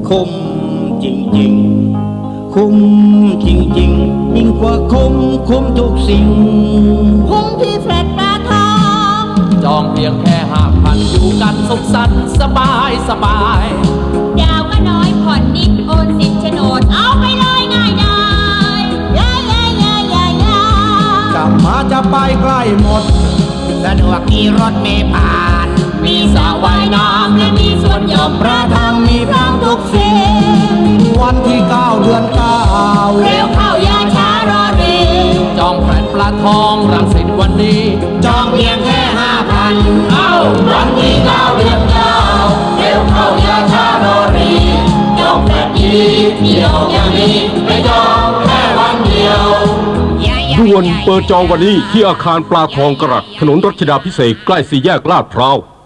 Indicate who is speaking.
Speaker 1: คุ้มจริงๆคุ้มจริงๆยิ่งกว่าคุ้มทุกสิ่ง
Speaker 2: คุ้มที่แฟลตปลาทอง
Speaker 3: จองเพียงแค่5,000อยู่กันสุขสันต์สบาย
Speaker 2: ดาวก็น้อยผ่อนนิดโอนสิทธิ์โฉนดเอาไปเลยง่ายดาย
Speaker 1: จะมาจะไปใกล้หมดสะดวกมีรถเมล์ผ่าน
Speaker 2: มีสระว่ายน้ำและมีสวนหย่อมพระธรรมมีพร้อมทุกสิ่ง
Speaker 1: วันที่9 เดือน 9
Speaker 2: เร็วเข้าอย่าช้ารอรี
Speaker 3: จองแฟลตปลาทองรังสิตวันนี้
Speaker 2: จองเพียงแค่5,000
Speaker 3: วันที่9 เดือน 9เร็วเข้าอย่าช้ารอรีจองแฟลตดีเดียวอย่างนี้ไม่จองแค่วันเดียว
Speaker 4: ด่วนเปิดจองวันนี้ที่อาคารปลาทองกระรัตถนนรัชดาภิเษกใกล้4 แยกลาดพร้าว